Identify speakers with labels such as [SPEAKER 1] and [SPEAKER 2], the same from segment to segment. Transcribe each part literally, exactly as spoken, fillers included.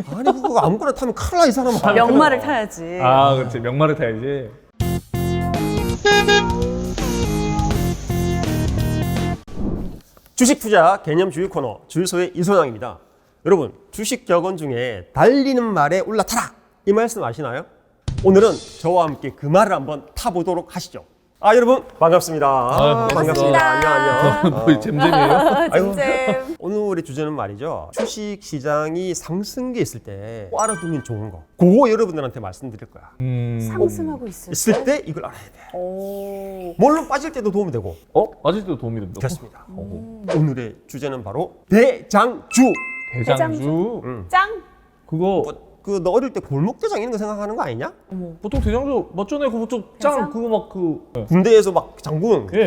[SPEAKER 1] 아니 그거 아무거나 타면 큰일 나 이 사람은.
[SPEAKER 2] 명마를 타야지.
[SPEAKER 3] 아, 그렇지. 명마를 타야지.
[SPEAKER 1] 주식 투자 개념 주의 코너 주유소의 이소장입니다. 여러분 주식 격언 중에 달리는 말에 올라타라 이 말씀 아시나요? 오늘은 저와 함께 그 말을 한번 타보도록 하시죠. 아 여러분 반갑습니다.
[SPEAKER 3] 아,
[SPEAKER 1] 반갑습니다. 안녕 안녕.
[SPEAKER 3] 뭐 잼잼이에요?
[SPEAKER 1] 아이고,
[SPEAKER 2] 잼잼.
[SPEAKER 1] 오늘의 주제는 말이죠. 주식 시장이 상승기에 있을 때 알아두면 좋은 거. 그거 여러분들한테 말씀드릴 거야.
[SPEAKER 3] 음.
[SPEAKER 2] 상승하고 있을
[SPEAKER 1] 있을 때 이걸 알아야 돼.
[SPEAKER 2] 오.
[SPEAKER 1] 물론 빠질 때도 도움이 되고.
[SPEAKER 3] 어? 아직도 도움이 된다.
[SPEAKER 1] 그렇습니다.
[SPEAKER 3] 어.
[SPEAKER 1] 오늘의 주제는 바로 대장주.
[SPEAKER 3] 대장주.
[SPEAKER 1] 음.
[SPEAKER 2] 짱.
[SPEAKER 3] 그거
[SPEAKER 1] 뭐, 그 너 어릴 때 골목대장 이런 거 생각하는 거 아니냐?
[SPEAKER 2] 어머.
[SPEAKER 3] 보통 대장주 맞잖아요. 그거 좀 짱.
[SPEAKER 2] 대장?
[SPEAKER 3] 그거 막 그. 네.
[SPEAKER 1] 군대에서 막 장군.
[SPEAKER 3] 예.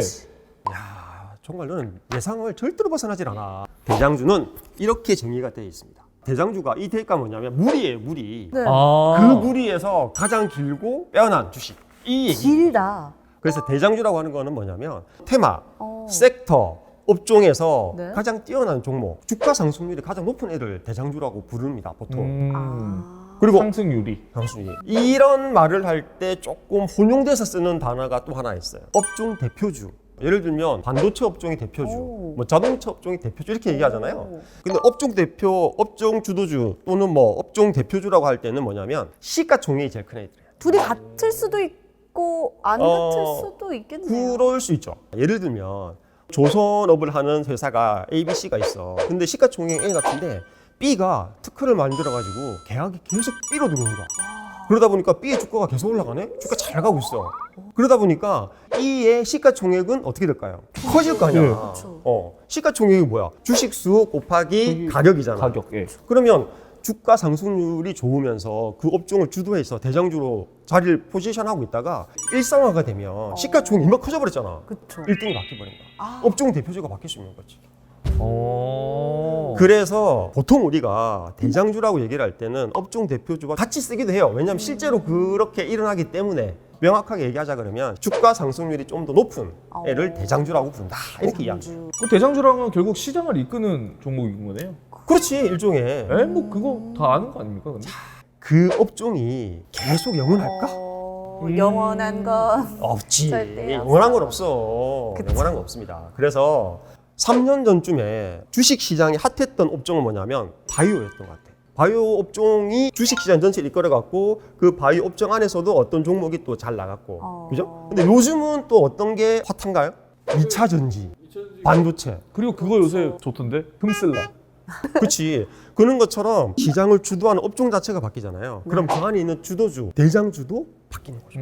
[SPEAKER 1] 야 정말 너는 예상을 절대로 벗어나질 않아. 대장주는 이렇게 정의가 되어 있습니다. 대장주가 이 대가 뭐냐면 무리예요, 무리.
[SPEAKER 2] 네.
[SPEAKER 3] 아.
[SPEAKER 1] 그 무리에서 가장 길고 빼어난 주식. 이 얘기.
[SPEAKER 2] 길다.
[SPEAKER 1] 그래서 대장주라고 하는 거는 뭐냐면 테마,
[SPEAKER 2] 어.
[SPEAKER 1] 섹터, 업종에서
[SPEAKER 2] 네.
[SPEAKER 1] 가장 뛰어난 종목, 주가 상승률이 가장 높은 애를 대장주라고 부릅니다, 보통.
[SPEAKER 3] 음.
[SPEAKER 2] 아.
[SPEAKER 1] 그리고
[SPEAKER 3] 상승률이.
[SPEAKER 1] 상승률이. 이런 말을 할 때 조금 혼용돼서 쓰는 단어가 또 하나 있어요. 업종 대표주. 예를 들면 반도체 업종이 대표주,
[SPEAKER 2] 오.
[SPEAKER 1] 뭐 자동차 업종이 대표주 이렇게 얘기하잖아요.
[SPEAKER 2] 오.
[SPEAKER 1] 근데 업종 대표, 업종 주도주 또는 뭐 업종 대표주라고 할 때는 뭐냐면 시가총액이 제일 큰 애들이에요.
[SPEAKER 2] 둘이 같을 수도 있고 안
[SPEAKER 1] 어,
[SPEAKER 2] 같을 수도 있겠네요.
[SPEAKER 1] 그럴 수 있죠. 예를 들면 조선업을 하는 회사가 A, B, C가 있어. 근데 시가총액 A 같은데 B가 특허를 만들어가지고 계약이 계속 B로 들어오는 거야. 그러다 보니까 B의 주가가 계속 올라가네? 주가 잘 가고 있어. 그러다 보니까 E의 시가총액은 어떻게 될까요? 커질 거 아니야.
[SPEAKER 3] 네.
[SPEAKER 2] 그렇죠.
[SPEAKER 1] 어, 시가총액이 뭐야? 주식수 곱하기 가격이잖아.
[SPEAKER 3] 가격. 예.
[SPEAKER 1] 그러면 주가 상승률이 좋으면서 그 업종을 주도해서 대장주로 자리를 포지션하고 있다가 일상화가 되면 시가총액이 이만 커져버렸잖아.
[SPEAKER 2] 그쵸.
[SPEAKER 1] 일 등이 바뀌어버린 거야.
[SPEAKER 2] 아.
[SPEAKER 1] 업종 대표주가 바뀔 수 있는 거지.
[SPEAKER 3] 어.
[SPEAKER 1] 그래서 보통 우리가 대장주라고 얘기를 할 때는 업종 대표주와 같이 쓰기도 해요. 왜냐하면 실제로 그렇게 일어나기 때문에 명확하게 얘기하자 그러면 주가 상승률이 좀 더 높은 애를
[SPEAKER 2] 어.
[SPEAKER 1] 대장주라고 부른다. 이렇게 이야기해요.
[SPEAKER 2] 대장주.
[SPEAKER 3] 그 대장주랑은 결국 시장을 이끄는 종목인 거네요.
[SPEAKER 1] 그렇지 일종의.
[SPEAKER 3] 에? 뭐 그거 다 아는 거 아닙니까? 근데?
[SPEAKER 1] 그 업종이 계속 영원할까?
[SPEAKER 2] 어,
[SPEAKER 3] 음.
[SPEAKER 2] 영원한 건
[SPEAKER 1] 없지.
[SPEAKER 2] 절대
[SPEAKER 1] 영원한 건 없어.
[SPEAKER 2] 그치.
[SPEAKER 1] 영원한 건 없습니다. 그래서 삼 년 전쯤에 주식 시장이 핫했던 업종은 뭐냐면 바이오였던 것 같아. 바이오 업종이 주식 시장 전체를 이끌어 갖고 그 바이오 업종 안에서도 어떤 종목이 또 잘 나갔고.
[SPEAKER 2] 어.
[SPEAKER 1] 그죠? 근데 요즘은 또 어떤 게 핫한가요? 이 차 전지, 반도체.
[SPEAKER 3] 그리고 그거 요새 좋던데? 흠슬라.
[SPEAKER 1] 그렇지. 그런 것처럼 시장을 주도하는 업종 자체가 바뀌잖아요. 그럼 그 안에 있는 주도주, 대장주도 바뀌는 거죠.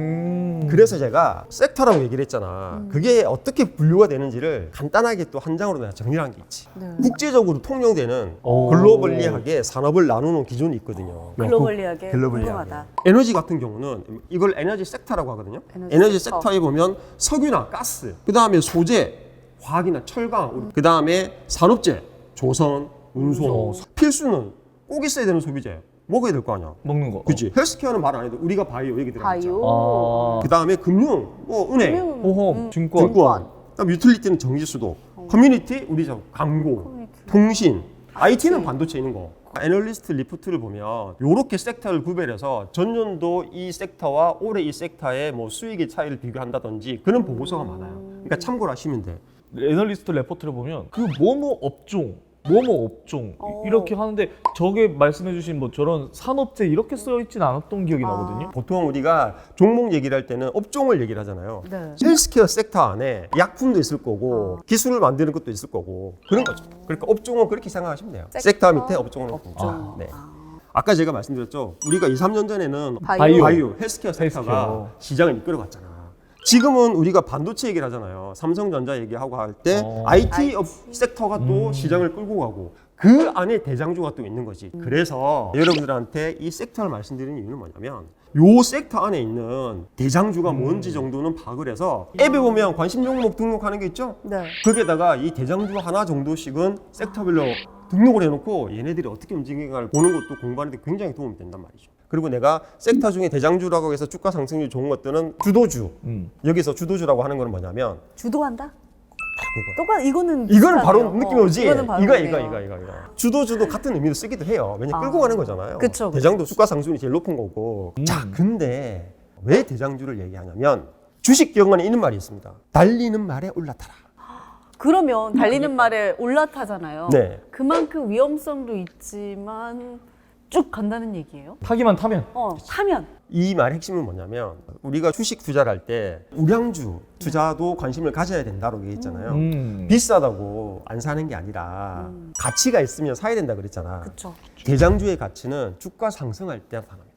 [SPEAKER 3] 음.
[SPEAKER 1] 그래서 제가 섹터라고 얘기를 했잖아. 그게 어떻게 분류가 되는지를 간단하게 또 한 장으로 내가 정리를 한 게 있지.
[SPEAKER 2] 네.
[SPEAKER 1] 국제적으로 통용되는
[SPEAKER 3] 오.
[SPEAKER 1] 글로벌리하게 산업을 나누는 기준이 있거든요.
[SPEAKER 2] 글로벌리하게
[SPEAKER 1] 글로벌리하게.
[SPEAKER 2] 궁금하다.
[SPEAKER 1] 에너지 같은 경우는 이걸 에너지 섹터라고 하거든요.
[SPEAKER 2] 에너지
[SPEAKER 1] 에너지,
[SPEAKER 2] 섹터.
[SPEAKER 1] 섹터에 보면 석유나 가스, 그 다음에 소재, 화학이나 철강, 그 다음에 산업재, 조선, 운송. 필수는 꼭 있어야 되는 소비재. 먹어야 될 거 아니야.
[SPEAKER 3] 먹는 거.
[SPEAKER 1] 그치? 헬스케어는 말 안 해도 우리가 바이오 얘기 들어갔죠.
[SPEAKER 2] 바이오.
[SPEAKER 3] 아.
[SPEAKER 1] 그 다음에 금융, 뭐 은행,
[SPEAKER 2] 금융.
[SPEAKER 3] 보험,
[SPEAKER 2] 음.
[SPEAKER 3] 증권.
[SPEAKER 1] 증권, 그다음 유틸리티는 전기수도, 커뮤니티 우리 저 광고,
[SPEAKER 2] 커뮤니티.
[SPEAKER 1] 통신, 아이티는
[SPEAKER 2] 아이티.
[SPEAKER 1] 반도체 있는 거. 애널리스트 리포트를 보면 이렇게 섹터를 구별해서 전년도 이 섹터와 올해 이 섹터의 뭐 수익의 차이를 비교한다든지 그런 보고서가 많아요. 그러니까 참고를 하시면 돼.
[SPEAKER 3] 애널리스트 레포트를 보면 그 뭐뭐 업종, 뭐뭐 업종
[SPEAKER 2] 어.
[SPEAKER 3] 이렇게 하는데 저게 말씀해주신 뭐 저런 산업재 이렇게 써 있진 않았던 기억이
[SPEAKER 2] 아.
[SPEAKER 3] 나거든요.
[SPEAKER 1] 보통 우리가 종목 얘기를 할 때는 업종을 얘기를 하잖아요.
[SPEAKER 2] 네.
[SPEAKER 1] 헬스케어 섹터 안에 약품도 있을 거고
[SPEAKER 2] 어.
[SPEAKER 1] 기술을 만드는 것도 있을 거고 그런 거죠. 그러니까 업종은 그렇게 생각하시면 돼요.
[SPEAKER 2] 섹터,
[SPEAKER 1] 섹터 밑에 업종은
[SPEAKER 2] 업종.
[SPEAKER 1] 아, 네.
[SPEAKER 2] 아.
[SPEAKER 1] 아까 제가 말씀드렸죠. 우리가 이, 삼 년 전에는
[SPEAKER 2] 바이오.
[SPEAKER 1] 바이오, 헬스케어 섹터가
[SPEAKER 3] 헬스케어.
[SPEAKER 1] 시장을 이끌어갔잖아. 지금은 우리가 반도체 얘기를 하잖아요. 삼성전자 얘기하고 할 때
[SPEAKER 3] 어.
[SPEAKER 1] 아이티 업 섹터가 또
[SPEAKER 3] 음.
[SPEAKER 1] 시장을 끌고 가고 그 안에 대장주가 또 있는 거지. 그래서 여러분들한테 이 섹터를 말씀드리는 이유는 뭐냐면 요 섹터 안에 있는 대장주가 뭔지 정도는 파악을 해서 앱에 보면 관심 종목 등록하는 게 있죠?
[SPEAKER 2] 네.
[SPEAKER 1] 거기에다가 이 대장주 하나 정도씩은 섹터별로 등록을 해놓고 얘네들이 어떻게 움직이는가를 보는 것도 공부하는 데 굉장히 도움이 된단 말이죠. 그리고 내가 섹터 중에 대장주라고 해서 주가 상승률이 좋은 것들은 주도주.
[SPEAKER 3] 음.
[SPEAKER 1] 여기서 주도주라고 하는 건 뭐냐면
[SPEAKER 2] 주도한다?
[SPEAKER 1] 그거야.
[SPEAKER 2] 똑같 이거는
[SPEAKER 1] 이거는 바로
[SPEAKER 2] 비슷하네요.
[SPEAKER 1] 느낌이 오지.
[SPEAKER 2] 이거는 바로
[SPEAKER 1] 이거
[SPEAKER 2] 오네요.
[SPEAKER 1] 이거 이거 이거 이거. 주도주도 같은 의미로 쓰기도 해요. 왜냐
[SPEAKER 2] 아.
[SPEAKER 1] 끌고 가는 거잖아요.
[SPEAKER 2] 그쵸, 그쵸.
[SPEAKER 1] 대장도 주가 상승률이 제일 높은 거고.
[SPEAKER 3] 음.
[SPEAKER 1] 자, 근데 왜 대장주를 얘기하냐면 주식 기억만에 있는 말이 있습니다. 달리는 말에 올라타라.
[SPEAKER 2] 그러면 달리는 말에 올라타잖아요.
[SPEAKER 1] 네.
[SPEAKER 2] 그만큼 위험성도 있지만 쭉 간다는 얘기예요?
[SPEAKER 3] 타기만 타면.
[SPEAKER 2] 어, 타면.
[SPEAKER 1] 이 말의 핵심은 뭐냐면 우리가 주식 투자를 할 때 우량주 투자도 관심을 가져야 된다고 얘기했잖아요.
[SPEAKER 3] 음.
[SPEAKER 1] 비싸다고 안 사는 게 아니라
[SPEAKER 2] 음.
[SPEAKER 1] 가치가 있으면 사야 된다 그랬잖아.
[SPEAKER 2] 그렇죠.
[SPEAKER 1] 대장주의 가치는 주가 상승할 때 나타납니다.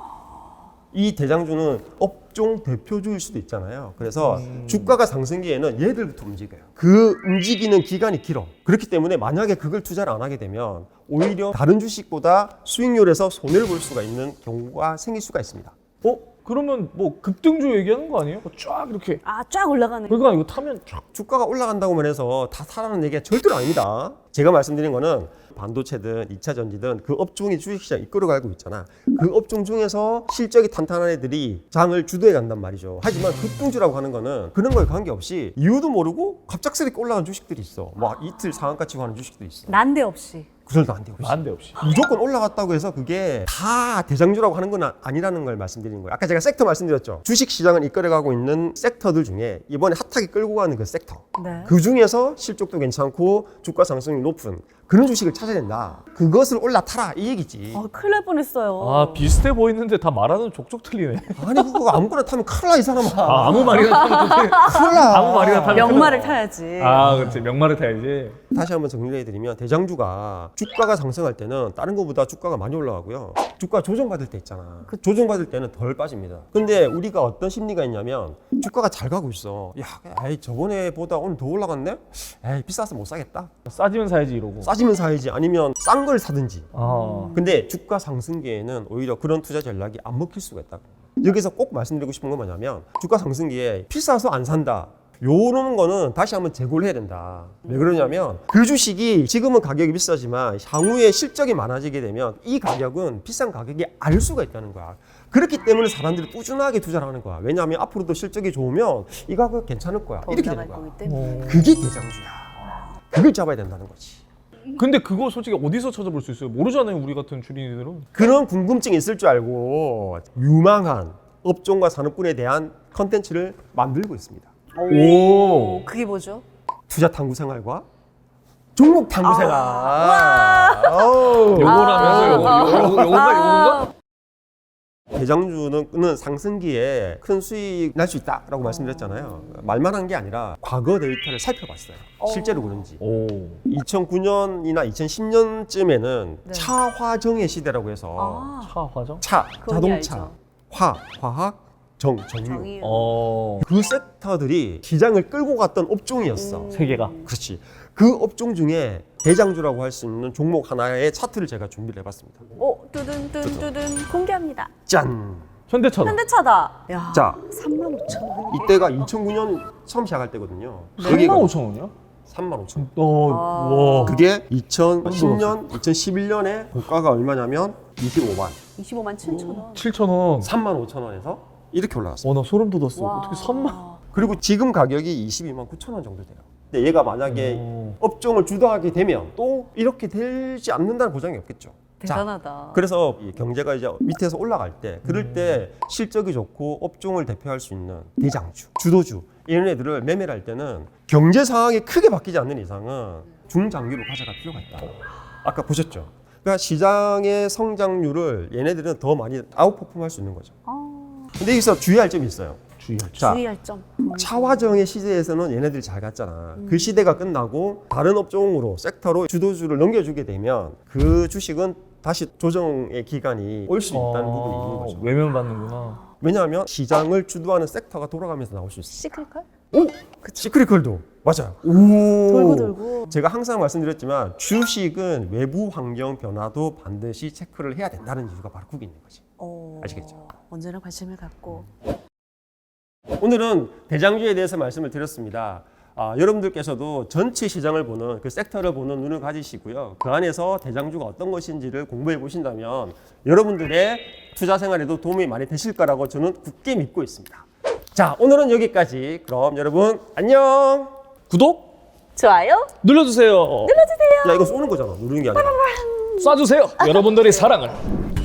[SPEAKER 1] 이 대장주는 업종 대표주일 수도 있잖아요. 그래서
[SPEAKER 3] 음.
[SPEAKER 1] 주가가 상승기에는 얘들부터 움직여요. 그 움직이는 기간이 길어. 그렇기 때문에 만약에 그걸 투자를 안 하게 되면 오히려 다른 주식보다 수익률에서 손해를 볼 수가 있는 경우가 생길 수가 있습니다.
[SPEAKER 3] 어? 그러면 뭐 급등주 얘기하는 거 아니에요? 쫙 이렇게.
[SPEAKER 2] 아, 쫙 올라가는.
[SPEAKER 3] 그러니까 이거 타면 쫙.
[SPEAKER 1] 주가가 올라간다고만 해서 다 사라는 얘기가 절대로 아닙니다. 제가 말씀드린 거는 반도체든 이 차 전지든 그 업종이 주식시장 이끌어가고 있잖아. 그 업종 중에서 실적이 탄탄한 애들이 장을 주도해 간단 말이죠. 하지만 급등주라고 하는 거는 그런 거에 관계없이 이유도 모르고 갑작스럽게 올라간 주식들이 있어. 막 이틀 상한가 치고 하는 주식들이 있어.
[SPEAKER 2] 난데없이.
[SPEAKER 1] 그절도 안 되고 있어.
[SPEAKER 3] 난데없이.
[SPEAKER 1] 무조건 올라갔다고 해서 그게 다 대장주라고 하는 건 아- 아니라는 걸 말씀드리는 거예요. 아까 제가 섹터 말씀드렸죠. 주식 시장을 이끌어가고 있는 섹터들 중에 이번에 핫하게 끌고 가는 그 섹터.
[SPEAKER 2] 네.
[SPEAKER 1] 그 중에서 실적도 괜찮고 주가 상승이 높은 그런 주식을 찾아야 된다. 그것을 올라타라 이 얘기지.
[SPEAKER 2] 아, 큰일 날 뻔했어요.
[SPEAKER 3] 아 비슷해 보이는데 다 말하는 족족 틀리네.
[SPEAKER 1] 아니 그거 아무거나 타면 큰일 나이 사람아.
[SPEAKER 3] 아, 아무 말이나 타면 되지.
[SPEAKER 1] 큰일 나.
[SPEAKER 3] 아무 말이나 타면
[SPEAKER 2] 명말을 타야지.
[SPEAKER 3] 아 그렇지 명말을 타야지.
[SPEAKER 1] 다시 한번 정리해드리면 대장주가 주가가 상승할 때는 다른 것보다 주가가 많이 올라가고요. 주가 조정받을 때 있잖아.
[SPEAKER 2] 그쵸.
[SPEAKER 1] 조정받을 때는 덜 빠집니다. 근데 우리가 어떤 심리가 있냐면 주가가 잘 가고 있어. 야, 에이 저번에보다 오늘 더 올라갔네? 에이 비싸서 못 사겠다.
[SPEAKER 3] 싸지면 사야지 이러고.
[SPEAKER 1] 싸지면 사야지. 아니면 싼 걸 사든지.
[SPEAKER 3] 아.
[SPEAKER 1] 근데 주가 상승기에는 오히려 그런 투자 전략이 안 먹힐 수가 있다고. 여기서 꼭 말씀드리고 싶은 건 뭐냐면 주가 상승기에 비싸서 안 산다. 요런 거는 다시 한번 재고를 해야 된다. 왜 그러냐면 그 주식이 지금은 가격이 비싸지만 향후에 실적이 많아지게 되면 이 가격은 비싼 가격이 알 수가 있다는 거야. 그렇기 때문에 사람들이 꾸준하게 투자를 하는 거야. 왜냐하면 앞으로도 실적이 좋으면 이 가격 괜찮을 거야.
[SPEAKER 2] 더
[SPEAKER 1] 이렇게
[SPEAKER 2] 올라갈
[SPEAKER 1] 되는 거야.
[SPEAKER 2] 거기 때문에.
[SPEAKER 1] 그게 대장주야. 그걸 잡아야 된다는 거지.
[SPEAKER 3] 근데 그거 솔직히 어디서 찾아볼 수 있어요? 모르잖아요 우리 같은 주린이들은.
[SPEAKER 1] 그런 궁금증이 있을 줄 알고 유망한 업종과 산업군에 대한 컨텐츠를 만들고 있습니다.
[SPEAKER 3] 오.
[SPEAKER 2] 그게 뭐죠?
[SPEAKER 1] 투자 탐구 생활과 종목 탐구 생활.
[SPEAKER 2] 와.
[SPEAKER 1] 어우.
[SPEAKER 3] 요거라면서 요거 요거 요거 요건가 요건가?
[SPEAKER 1] 대장주는 상승기에 큰 수익 날 수 있다라고 말씀드렸잖아요. 말만 한 게 아니라 과거 데이터를 살펴봤어요. 실제로 그런지.
[SPEAKER 3] 오.
[SPEAKER 1] 이천구 년이나 이천십 년쯤에는
[SPEAKER 2] 네.
[SPEAKER 1] 차화정의 시대라고 해서
[SPEAKER 2] 아,
[SPEAKER 3] 차 화정?
[SPEAKER 1] 차,
[SPEAKER 2] 그건
[SPEAKER 1] 자동차,
[SPEAKER 2] 알죠.
[SPEAKER 1] 화, 화학, 정, 정유.
[SPEAKER 2] 정의.
[SPEAKER 3] 어.
[SPEAKER 1] 그 섹터들이 시장을 끌고 갔던 업종이었어.
[SPEAKER 2] 음.
[SPEAKER 3] 세 개가.
[SPEAKER 1] 그렇지. 그 업종 중에 대장주라고 할 수 있는 종목 하나의 차트를 제가 준비를 해봤습니다.
[SPEAKER 2] 오, 뚜든 뚜든 뚜든 공개합니다.
[SPEAKER 1] 짠!
[SPEAKER 3] 현대차다.
[SPEAKER 2] 현대차다. 야,
[SPEAKER 1] 자,
[SPEAKER 2] 삼만 오천 원.
[SPEAKER 1] 이때가 이천구 년 처음 시작할 때거든요.
[SPEAKER 3] 삼만 오천 원이요?
[SPEAKER 1] 삼만 오천.
[SPEAKER 3] 어.
[SPEAKER 2] 아.
[SPEAKER 3] 와.
[SPEAKER 1] 그게 이천십 년, 이천십일 년에 고가가 얼마냐면 이십오만,
[SPEAKER 2] 이십오만 칠천 원.
[SPEAKER 3] 칠천 원.
[SPEAKER 1] 삼만 오천 원에서 이렇게 올라갔어요.
[SPEAKER 3] 어 나 소름 돋았어.
[SPEAKER 2] 와.
[SPEAKER 3] 어떻게 삼만?
[SPEAKER 1] 그리고 지금 가격이 이십이만 구천 원 정도 돼요. 근데 얘가 만약에
[SPEAKER 3] 오.
[SPEAKER 1] 업종을 주도하게 되면 또 이렇게 되지 않는다는 보장이 없겠죠. 자,
[SPEAKER 2] 대단하다.
[SPEAKER 1] 그래서 이 경제가 이제 밑에서 올라갈 때 그럴 때 실적이 좋고 업종을 대표할 수 있는 대장주, 주도주 이런 애들을 매매를 할 때는 경제 상황이 크게 바뀌지 않는 이상은 중장기로 가져갈 필요가 있다. 아까 보셨죠? 그러니까 시장의 성장률을 얘네들은 더 많이 아웃퍼폼할 수 있는 거죠.
[SPEAKER 2] 아,
[SPEAKER 1] 근데 여기서 주의할 점이 있어요.
[SPEAKER 3] 주의할
[SPEAKER 1] 자,
[SPEAKER 2] 주의할 점.
[SPEAKER 1] 차화정의 시대에서는 얘네들이 잘 갔잖아. 그 시대가 끝나고 다른 업종으로 섹터로 주도주를 넘겨주게 되면 그 주식은 다시 조정의 기간이 올 수 있다는 부분이 있는 거죠.
[SPEAKER 3] 외면받는구나.
[SPEAKER 1] 왜냐하면 시장을 주도하는 섹터가 돌아가면서 나올 수 있어.
[SPEAKER 2] 시클컬?
[SPEAKER 1] 오, 시크릿컬도 맞아요. 오,
[SPEAKER 2] 돌고 돌고.
[SPEAKER 1] 제가 항상 말씀드렸지만 주식은 외부 환경 변화도 반드시 체크를 해야 된다는 이유가 바로 그게 있는 거지.
[SPEAKER 2] 어,
[SPEAKER 1] 아시겠죠?
[SPEAKER 2] 언제나 관심을 갖고.
[SPEAKER 1] 오늘은 대장주에 대해서 말씀을 드렸습니다. 아, 여러분들께서도 전체 시장을 보는 그 섹터를 보는 눈을 가지시고요. 그 안에서 대장주가 어떤 것인지를 공부해 보신다면 여러분들의 투자 생활에도 도움이 많이 되실 거라고 저는 굳게 믿고 있습니다. 자, 오늘은 여기까지. 그럼 여러분 안녕.
[SPEAKER 3] 구독
[SPEAKER 2] 좋아요
[SPEAKER 3] 눌러주세요.
[SPEAKER 1] 야 이거 쏘는 거잖아. 누르는 게 아니라.
[SPEAKER 3] 쏴주세요. 여러분들의 사랑을.